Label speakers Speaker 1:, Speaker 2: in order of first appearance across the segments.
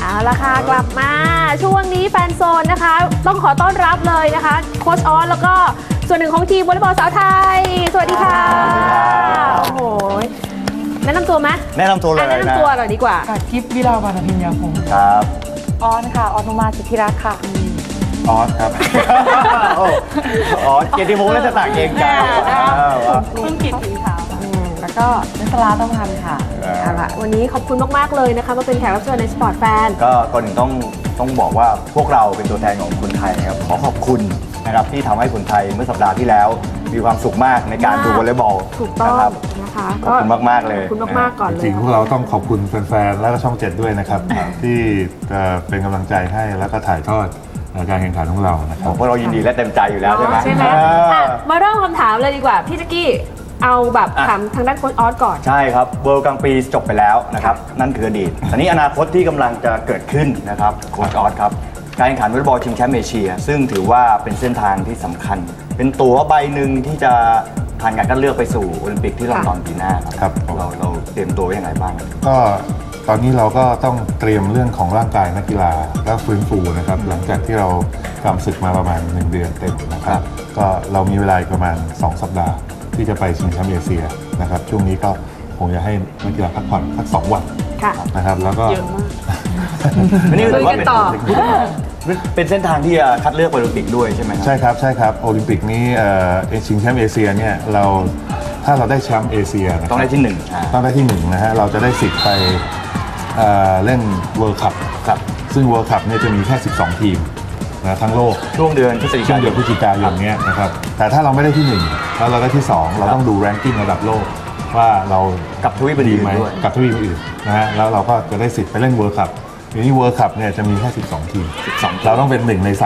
Speaker 1: เอาละค่ะกลับมาช่วงนี้แฟนโซนนะคะต้องขอต้อนรับเลยนะคะโค้ชออสแล้วก็ส่วนหนึ่งของทีมวอลเลย์บอลสาวไทยสวัสดีค่ะโอ้โหแนะนำตัวไหม
Speaker 2: แนะนำตัวเลยนะ
Speaker 1: แนะนำตัวหน่อยดีกว่า
Speaker 3: กิฟต์วิลาวันอภิญญาพงศ์
Speaker 2: ครับ
Speaker 3: ออนค่ะออนุมาสิทธิรักษ์ค่ะ
Speaker 2: ออสครับออสเกียรติพงษ์และสตางค์เองใจ
Speaker 3: เพิ่งกิดถึงขาวแล้วก็นัสลาต้องพันค่ะ
Speaker 1: เอาละวันนี้ขอบคุณมากๆเลยนะคะมาเป็นแขกรับเชิญในสปอร์ตแฟน
Speaker 2: ก็ก่อนอื่นต้องบอกว่าพวกเราเป็นตัวแทนของคนไทยนะครับขอขอบคุณนะครับที่ทำให้คนไทยเมื่อสัปดาห์ที่แล้ว มีความสุขมากในการดูวอลเลย์บอล
Speaker 1: ถูกต้อง
Speaker 2: นะครับ
Speaker 1: นะคะ
Speaker 2: ขอบคุณมากๆเลย
Speaker 1: ขอบคุณมากๆก่อนเลย
Speaker 4: จริงๆพวกเราต้องขอบคุณแฟนๆ และก็ช่อง 7 ด้วยนะครับ ที่เป็นกำลังใจให้แล้วก็ถ่ายทอดการแข่งขันของเรานะครับ
Speaker 2: พวกเรายินดีและเต็มใจอยู่แล้วใช่ไหม
Speaker 1: ใช่ไหมอ่ะมาเริ่มคำถามเลยดีกว่าพี่แจ๊กกี้เอาแบบถามทางด้านโค้ชออสก่อน
Speaker 2: ใช่ครับเวิลด์กลางปีจบไปแล้วนะครับนั่นคืออดีตตอนนี้อนาคตที่กำลังจะเกิดขึ้นนะครับโค้ชออสครับการแข่งขันวอลเลย์บอลชิงแชมป์เอเชียซึ่งถือว่าเป็นเส้นทางที่สำคัญ เป็นตั๋วใบหนึ่งที่จะผ่านการคัดเลือกไปสู่โอลิมปิกที่ลอนดอนปีหน้า
Speaker 4: ครับ
Speaker 2: เราเตรียมตัวไว้อย่างไรบ้าง
Speaker 4: ก็ตอนนี้เราก็ต้องเตรียมเรื่องของร่างกายนักกีฬาและฟื้นฟูนะครับหลังจากที่เราทำศึกมาประมาณ 1 เดือนเต็มนะครับก็เรามีเวลาประมาณ 2 สัปดาห์ที่จะไปชิงแชมป์เอเชียนะครับช่วงนี้ก็คงจะให้นักกีฬาพักผ่อนสัก2 วัน
Speaker 1: ค่ะ
Speaker 4: นะครับแล้วก็
Speaker 2: นี่ถือว่า
Speaker 1: คุยกันต่อ
Speaker 2: เป็นเส้นทางที่จะคัดเลือกไปโอลิมปิกด้วยใช่ไหมครั
Speaker 4: ใช่ครับโอลิมปิกนี้ชิงแชมป์เอเชียเนี่ยถ้าเราได้แชมป์เอเชียนะครับ
Speaker 2: ต้องได้ที่หนึ่ง
Speaker 4: ต้องได้ที่1นะฮะเราจะได้สิทธิ์ไปเล่นเวิลด์คัพ
Speaker 2: ครับ
Speaker 4: ซึ่งเวิลด์คัพเนี่ยจะมีแค่ 12 ทีมนะทั้งโลก
Speaker 2: ช่วงเดือนพฤศจิ
Speaker 4: ช่ว
Speaker 2: กาง ย
Speaker 4: เดือน
Speaker 2: น
Speaker 4: พฤศจิกายนเนี้ยนะครับแต่ถ้าเราไม่ได้ที่1แล้วเราได้ที่ 2 เราต้องดูแรงกิ้งระดับโลกว่าเรา
Speaker 2: กับทวีป
Speaker 4: ดี
Speaker 2: อื่น
Speaker 4: ไหม
Speaker 2: ๆด้วย
Speaker 4: กับทวีปอื่นนะฮะแล้วเราก็จะได้สิทธิ์ไปเล่นเวิลด์คัพทีนี้เวิลด์คัพเนี่ยจะมีแค่12 ทีม
Speaker 2: 12
Speaker 4: เราต้องเป็น1 ใน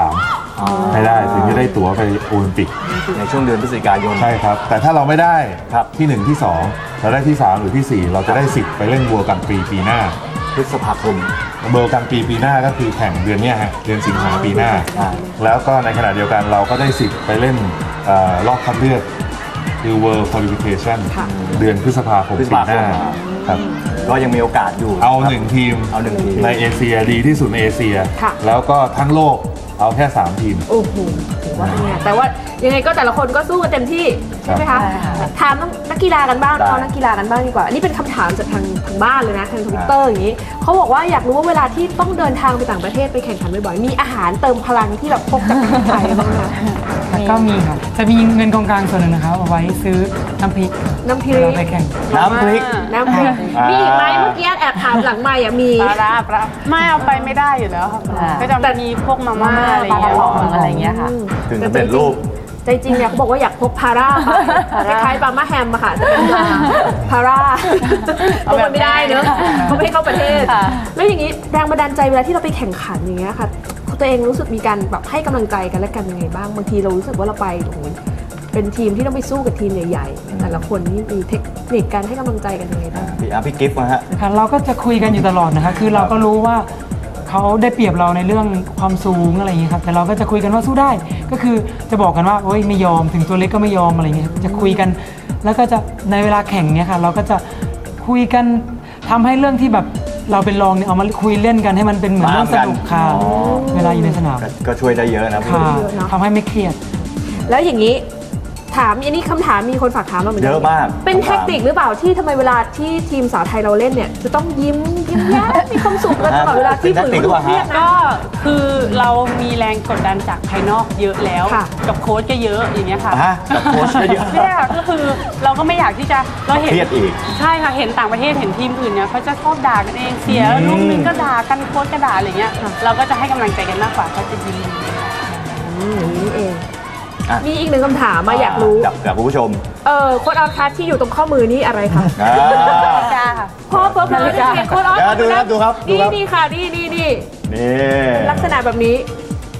Speaker 4: 3ให้ได้ถึงจะได้ตั๋วไปโอลิมปิก
Speaker 2: ในช่วงเดือนพฤศจิกายน
Speaker 4: ใช่ครับแต่ถ้าเราไม่ได้
Speaker 2: ครับ
Speaker 4: ที่ 1 ที่ 2 เราได้ที่ 3 หรือที่ 4 เราจะได้สิทธิ์ไปเล่นวัวกลางปีหน้า
Speaker 2: พฤษภาคม
Speaker 4: เบอร์กลางปีหน้าก็คือแข่งเดือนเนี้ยฮะเดือนสิงหาปีหน้า แล้วก็ในขณะเดียวกันเราก็ได้สิทธิ์ไปเล่นรอบคัดเลือกคือ World Qualification
Speaker 1: ค่ะ
Speaker 4: เดือนพฤษภาคม
Speaker 2: พฤษ
Speaker 4: ปี
Speaker 2: ภา
Speaker 4: ห
Speaker 2: ค
Speaker 4: น้าม ครับ
Speaker 2: ก็ยังมีโอกาสอยู่
Speaker 4: เอา
Speaker 2: ครับ
Speaker 4: 1 ทีม
Speaker 2: เอา1 ทีม
Speaker 4: ในเอเชียดีที่สุดในเอเชีย
Speaker 1: ค่ะ
Speaker 4: แล้วก็ทั้งโลกเอาแค่ 3 ทีม
Speaker 1: โอ้โหถือว่าเป็นไงแต่ว่ายังไงก็แต่ละคนก็สู้กันเต็มที่ใช่ไหมคะ
Speaker 3: ใช่ค่ะ
Speaker 1: ถามนักกีฬากันบ้าง
Speaker 2: ได้
Speaker 1: เอานักกีฬากันบ้างดีกว่าอันนี้เป็นคำถามจากทางบ้านเลยนะทางทวิตเตอร์อย่างนี้เขาบอกว่าอยากรู้ว่าเวลาที่ต้องเดินทางไปต่างประเทศไปแข่งขันบ่อยๆมีอาหารเติมพลังที่แบบพกจากประเทศไทยบ้างไหมคะ
Speaker 3: แล้วก็มีค่ะจะมีเงินกองกลางส่วนหนึ่งนะคะเอาไว้ซื้อน้ำพริก
Speaker 1: น้ำพริก
Speaker 3: เราไปแข่ง
Speaker 2: น้ำพริก
Speaker 1: น้ำพริกมีอีกไหมเมื่อกี้แอบถามหลังใหม่อะมี
Speaker 5: ปลาไม่เอาไปไม่ได้อยู่แล้วค่ะก็จะมีพวกมาม่าอะไรอย่างเงี้ย
Speaker 3: ปลากระป๋องอะไรอย่างเงี้ยค่ะ
Speaker 2: ถึงจะเป็นรูป
Speaker 1: ใจจริงเนี่ยเขาบอกว่าอยากพกพาร่าไปคล้ายๆปลาม่าแฮมอะค่ะแต่เป็นพาร่าพกมันไม่ได้เนอะเขาไม่ให้เข้าประเทศ แล้วอย่างนี้แรงบันดาลใจเวลาที่เราไปแข่งขันอย่างเงี้ยค่ะตัวเองรู้สึกมีการแบบให้กำลังใจกันและกันยังไงบ้างบางทีเรารู้สึกว่าเราไปโอ้โหเป็นทีมที่ต้องไปสู้กับทีมใหญ่ๆแต่ละคนนี่มีเทคนิคการให้กำลังใจกันยังไงบ้าง
Speaker 2: พี่กิฟต์นะฮะ
Speaker 3: ค่ะเราก็จะคุยกันอยู่ตลอดนะคะคือเราก็รู้ว่าเขาได้เปรียบเราในเรื่องความสูงอะไรอย่างเงี้ยครับแต่เราก็จะคุยกันว่าสู้ได้ก็คือจะบอกกันว่าโอ๊ยไม่ยอมถึงตัวเล็กก็ไม่ยอมอะไรเงี้ยจะคุยกันแล้วก็จะในเวลาแข่งเนี่ยค่ะเราก็จะคุยกันทำให้เรื่องที่แบบเราเป็นรองเนี่ยเอามาคุยเล่นกันให้มันเป็นเหมือนเรื่องสนุกค่ะ
Speaker 2: อ๋อ
Speaker 3: เวลาอยู่ในสนาม
Speaker 2: ก็ช่วยได้เยอะนะพี่
Speaker 3: ค่ะ
Speaker 1: เยอะเนอะ
Speaker 3: ทำให้ไม่เครียด
Speaker 1: แล้วอย่างนี้ถามอันนี้คำถามมีคนฝากถามมาเหมือนกั
Speaker 2: เยอะมาก
Speaker 1: เป็นเทคนิคหรือเปล่าที่ทำไมเวลาที่ทีมสาวไทยเราเล่นเนี่ยจะต้องยิ้มแย้มมีความสุขกันตลอดเวลาที่
Speaker 2: เป็นเทคนิคหรือเปล่าฮะ
Speaker 1: เครียดนะ
Speaker 5: ก็คือเรามีแรงกดดันจากภายนอกเยอะแล้ว
Speaker 1: ค่ะ
Speaker 5: กับโค้ชก็เยอะอย่างเงี้ยค่ะ
Speaker 2: ฮะกับโค้ชก็เยอะ
Speaker 5: เนี่ยก็คือเราก็ไม่อยากที่จะเราเห็น
Speaker 2: เครียดอีก
Speaker 5: ใช่ค่ะเห็นต่างประเทศเห็นทีมอื่นเนี่ยเขาจะชอบด่ากันเองเสียลูกนึงก็ด่ากันโค้ชก็ด่าอะไรเงี้ยเราก็จะให้กำลังใจกันมากกว่าเขาจะยิ้ม
Speaker 1: อย่างนี้เอง
Speaker 2: อ่ะ
Speaker 1: มีอีกหนึ่งคำถามมาอยากรู้
Speaker 2: จากคุณผู้ชม
Speaker 1: โค้ดออสคัสที่อยู่ตรงข้อมือนี่อะไรคะ
Speaker 2: อ่า
Speaker 5: จ้าค่ะ
Speaker 1: พ่อเพิ่มเลยโค้ดออส
Speaker 2: เดี๋ยวดูครับ
Speaker 1: นี่ค่ะนี่
Speaker 2: นี่
Speaker 1: ลักษณะแบบนี้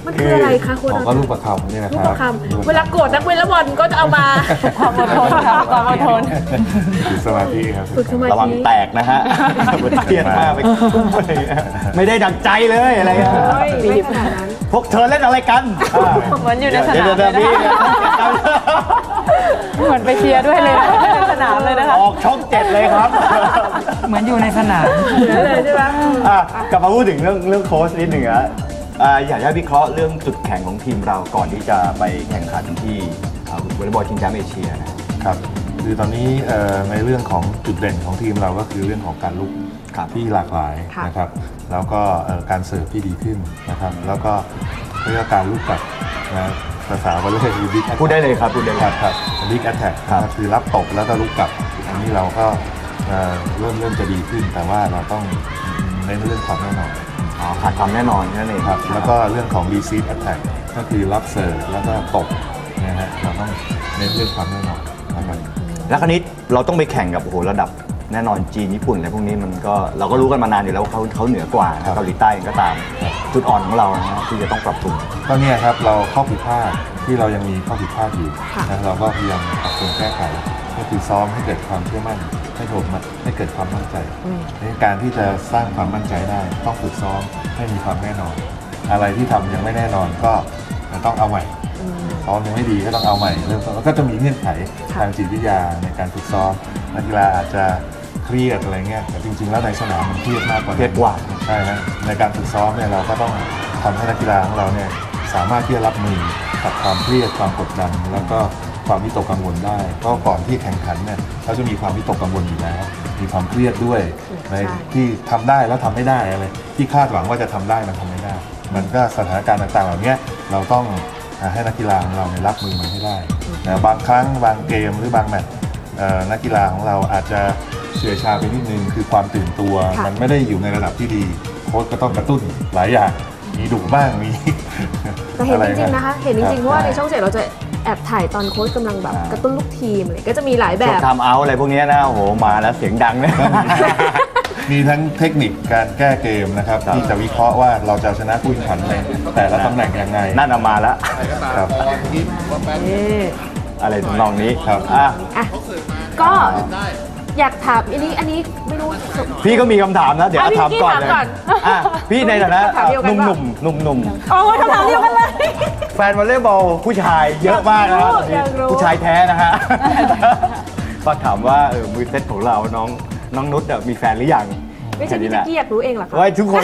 Speaker 1: มันคืออะไรคะคุณ
Speaker 4: ก็ลูกประคำนี่นะ
Speaker 1: ลู
Speaker 4: ค
Speaker 1: ก
Speaker 4: รับ
Speaker 1: ประคำเวลาโกรธนักเวทละบอลก็จะเอามา
Speaker 5: ความอดทนค่ะความอดทน
Speaker 4: ฝึกสมาธิครับ
Speaker 1: ฝึกสมา
Speaker 2: ระวัง
Speaker 1: ธิ
Speaker 2: แตกนะฮะมันเครียดมากไปกุ้มอะไรเงี้ยไม่ได้ดังใจเลยอะไรเงี้ย
Speaker 1: โอ้ยไม่ขนาดนั้น
Speaker 2: พวกเธอเล่นอะไรกัน
Speaker 5: เหมือนอยู่ในสนาม
Speaker 2: เดี๋ยว
Speaker 5: เลย
Speaker 2: พี่
Speaker 5: นะคะเหมือนไปเชียร์ด้วยเลยนะในสนามเลยนะคะ
Speaker 2: ออกช่อง7เลยครับ
Speaker 3: เหมือนอยู่ในสนาม
Speaker 1: เลยใช่ไหม
Speaker 2: อ่ะกลับมาพูดถึงเรื่องโค้ชนิดหนึ่งอะอยากให้วิเคราะห์เรื่องจุดแข็งของทีมเราก่อนที่จะไปแข่งขันที่วอลเลย์บอลชิงแชมป์เอเชียนะครับ
Speaker 4: คือตอนนี้ในเรื่องของจุดเด่นของทีมเราก็คือเรื่องของการลุก
Speaker 2: ครับ
Speaker 4: ที่หลากหลายนะครับ แล้วก็การเสิร์ฟที่ดีขึ้นนะครับ แล้วก็เรื่องการลุกกลับนะภาษาวอลเลย์คือบิ๊ก
Speaker 2: พูดได้เลยครับพูดได้เลย
Speaker 4: ครับบิ๊กแอตแทก
Speaker 2: ครับ
Speaker 4: คือรับตบแล้วก็ลุกกลับ อันนี้เราก็เริ่มจะดีขึ้น แต่ว่าเราต้องเน้นเรื่องความแน่นอน
Speaker 2: ขาดความแน่นอนนั่นเอง
Speaker 4: ครับแล้วก็เรื่องของ receive attack ก็คือรับเสิร์ฟแล้วก็ตบนะฮะเราต้องเน้นเรื่องความแน่นอนนะครับ
Speaker 2: แล้วคราวนี้เราต้องไปแข่งกับโอ้โหระดับแน่นอนจีนญี่ปุ่นอะไรพวกนี้มันก็เราก็รู้กันมานานอยู่แล้วว่าเขาเหนือกว่า
Speaker 4: ครับ
Speaker 2: เกาหลีใต้เองก็ตาม จุดอ่อนของเรานะฮะที่จะต้องปรับปรุง
Speaker 4: ก็เนี่ยครับเราข้อผิดพลาดที่เรายังมีข้อผิดพลาดอยู่นะเราก็พยายามปรับปรุงแก้ไขก็คือซ้อมให้เกิดความเชื่อมั่นให้เกิดความมั่นใจในการที่จะสร้างความมั่นใจได้ต้องฝึกซ้อมให้มีความแน่นอน อะไรที่ทำยังไม่แน่นอนก็ต้องเอาใหม่ซ้อมยังไม่ดีก็ต้องเอาใหม่เริ่มต้นแล้วก็จะมีเงื่อนไขทางจิตวิทยาในการฝึกซ้อมนักกีฬาอาจจะเครียดอะไรเงี้ยแต่จริงๆแล้วในสนามมันเครียดมากกว่านั้น
Speaker 2: เครียดกว่า
Speaker 4: ใช่นะในการฝึกซ้อมเนี่ยเราก็ต้องทำให้นักกีฬาของเราเนี่ยสามารถที่จะรับมือกับความเครียดความกดดัน แล้วก็ความวิตกกังวลได้เพราะก่อนที่แข่งขันเนี่ยเขาจะมีความวิตกกังวลอยู่แล้วมีความเครียดด้วยในที่ทำได้แล้วทำไม่ได้อะไรที่คาดหวังว่าจะทำได้มันทำไม่ได้ มันก็สถานการณ์ต่างๆเหล่านี้เราต้องให้นักกีฬาของเราเนี่ยรับมือมันให้ได้นะบางครั้งบางเกมหรือบางแมตช์นักกีฬาของเราอาจจะเฉื่อยชาไปนิดนึงคือความตื่นตัวมันไม่ได้อยู่ในระดับที่ดีโค้ชก็ต้องกระตุ้นหลายอย่างมีดุบ้างมี
Speaker 1: แต่เห็นจริงๆนะคะ เห็นจริงๆเพราะว่าในช่อง
Speaker 4: ใช่
Speaker 1: 7เราจะแอบถ่ายตอนโค้ชกำลังแบบกระตุ้นลูกทีมอะไรก็จะมีหลายแบ
Speaker 2: ช่วง
Speaker 1: บ
Speaker 2: ทำเอาท์อะไรพวกนี้นะโอ้โหมาแล้วเสียงดังเนี่ย
Speaker 4: มีทั้งเทคนิคการแก้เกมนะครับ
Speaker 2: ครับ
Speaker 4: ที่จะวิเคราะห์ว่าเราจะชนะผู้แข่งขันในแต่ละตำแหน่งยังไง
Speaker 2: นั่นเอามาแล้ว
Speaker 4: ครับ
Speaker 2: อะไรทำนองนี้
Speaker 4: ครับ
Speaker 2: อ่ะ
Speaker 1: อ่ะก็อยากถามอันนี้ไม่รู้
Speaker 2: พี่ก็มีคำถามนะ เดี๋ยว
Speaker 1: อ่ะพี่
Speaker 2: ถามก่อนเลย
Speaker 1: ถามก่อน
Speaker 2: อ่ะพี่ในฐานะ
Speaker 1: ถามเดียวกัน
Speaker 2: ห
Speaker 1: ปะ
Speaker 2: นุ่ม
Speaker 5: โอ้ยคำถามเดียวกันเลย
Speaker 2: แฟนวอลเลย์บอลผู้ชายเยอะมากนะครับ
Speaker 1: อยากรู้
Speaker 2: ผู้ชายแท้นะฮะฝากถามว่ามือเซตของเราน้องนุชมีแฟนหรือยัง
Speaker 1: ไม่ใช่พี่แจ๊กกี้อยากรู้เองเหรอคะ
Speaker 2: ไว้ทุกคน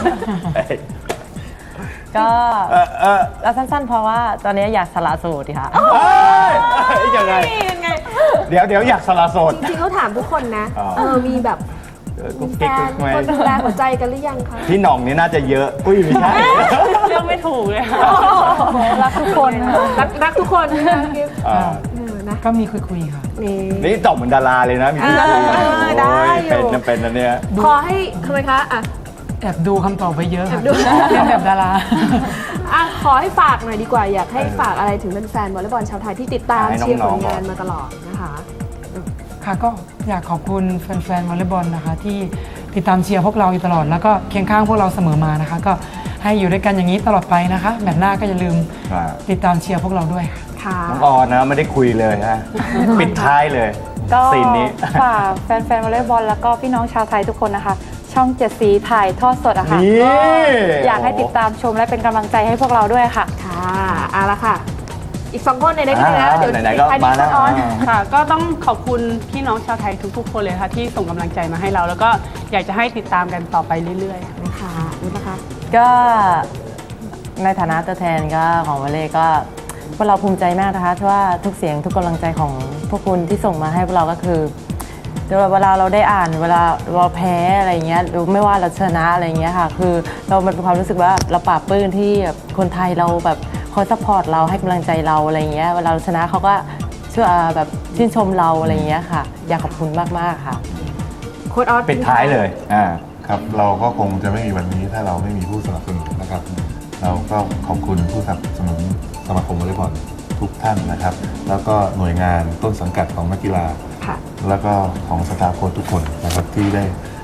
Speaker 6: ก็
Speaker 2: เออ
Speaker 6: แล้วสั้นๆ เพราะว่าตอนนี้อยากสละโสดค่ะ
Speaker 2: ยังไง
Speaker 1: ยังไง
Speaker 2: เดี๋ยวอยากสละโสด
Speaker 1: จริงๆเขาถามทุกคนนะ
Speaker 2: อ๋อ
Speaker 1: มีแบบ
Speaker 2: กุ๊ก
Speaker 1: แฟ
Speaker 2: กิ๊ก
Speaker 1: น
Speaker 2: ไหม
Speaker 1: คนดูแลหัวใจกันหรือยังคะ
Speaker 2: พี่หน่องนี่น่าจะเยอะอุ้ยไม่ใช่
Speaker 5: เรื่องไม่ถูกเลยค่ะ
Speaker 6: รักทุกคนค่ะ
Speaker 1: รักทุกคนนะคะกิ๊บ
Speaker 2: อ่า
Speaker 1: นะ
Speaker 3: ก็มีคุยๆค่ะ
Speaker 1: นี่
Speaker 2: นี่ตอบเหมือนดาราเลยนะมีพี่
Speaker 1: ได้อยู่
Speaker 2: เป็นนะเนี่ย
Speaker 1: ขอให้ทำไมคะอ่ะ
Speaker 3: แอบดูคำตอบไปเยอะ
Speaker 1: แอ
Speaker 3: ค่ะ
Speaker 1: บดู
Speaker 3: เล่นแบบดารา
Speaker 1: อ่ะขอให้ฝากหน่อยดีกว่า อยากให้ฝากอะไรถึงแฟนๆวอลเลย์บอลชาวไทยที่ติดตาม
Speaker 2: ให้น้องๆ
Speaker 1: เชียร์ผล
Speaker 2: ก่อน
Speaker 1: งานมาตลอดนะคะ
Speaker 3: ค่ะก็อยากขอบคุณแฟนๆวอลเลย์บอลนะคะ ที่ติดตามเชียร์พวกเราอยู่ตลอด แล้วก็เคียงข้างพวกเราเสมอมานะคะ ก็ให้อยู่ด้วยกันอย่างนี้ตลอดไปนะคะแมตช์หน้าก็อย่าลืมติดตามเชียร์พวกเราด้วยค่ะ
Speaker 1: ค่ะ
Speaker 2: น้องออนนะไม่ได้คุยเลยฮะ ปิดท้ายเลย
Speaker 7: ก็
Speaker 2: ซีนนี้
Speaker 7: ฝากแฟนๆวอลเลย์บอลแล้วก็พี่น้องชาวไทยทุกคนนะคะ ช่อง7สีถ่ายทอดสดอะค่ะ
Speaker 2: นี่
Speaker 7: ก็อยากให้ติดตามชมและเป็นกำลังใจให้พวกเราด้วยค่ะ
Speaker 1: ค่ะเอาละค่ะ อีกสองคนในนี้นะ เดี๋ยว
Speaker 2: ไหนๆก็
Speaker 1: ท้ายนี้
Speaker 2: มาแล้ว
Speaker 1: ออน
Speaker 5: ค่ะ ก็ต้องขอบคุณพี่น้องชาวไทยทุกๆ คนเลยค่ะที่ส่งกำลังใจมาให้เรา แล้วก็อยากจะให้ติดตามกันต่อไปเรื่อยๆ
Speaker 1: นะคะรู้นะคะ
Speaker 6: ก็ในฐานะตัวแทนก็ของวอลเลย์ก็พวกเราภูมิใจมากนะคะที่ว่าทุกเสียงทุกกำลังใจของพวกคุณที่ส่งมาให้พวกเราก็คือเวลาเราได้อ่านเวลาเราแพ้อะไรเงี้ยหรือไม่ว่าเราชนะอะไรเงี้ยค่ะคือเรามันเป็นความรู้สึกว่าเราปลาบปลื้มที่แบบคนไทยเราแบบคอยซัพพอร์ตเราให้กำลังใจเราอะไรเงี้ยเวลาเราชนะเขาก็ช่วยแบบชื่นชมเราอะไรเงี้ยค่ะ อยากขอบคุณมากๆค่ะ
Speaker 1: โค้ดออส
Speaker 2: ปิดท้ายเลย
Speaker 4: ครับเราก็คงจะไม่มีวันนี้ถ้าเราไม่มีผู้สนับสนุนนะครับ เราก็ขอบคุณผู้สนับสนุนสมาคมวอลเลย์บอลทุกท่านนะครับ แล้วก็หน่วยงานต้นสังกัดของนักกีฬา
Speaker 1: ค่ะ
Speaker 4: แล้วก็ของสตาฟโค้ชทุกคนนะครับที่ได้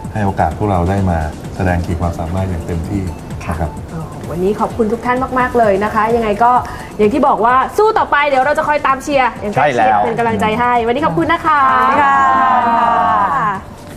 Speaker 4: ให้โอกาสพวกเราได้มาแสดงขีดความสามารถอย่างเต็มที่นะครับ
Speaker 1: วันนี้ขอบคุณทุกท่านมากๆเลยนะคะ ยังไงก็อย่างที่บอกว่าสู้ต่อไปเดี๋ยวเราจะคอยตามเชียร์อย่างใกล้ชิดเป็นกำลังใจให้ วันนี้ขอบคุณนะคะ
Speaker 6: ค่ะ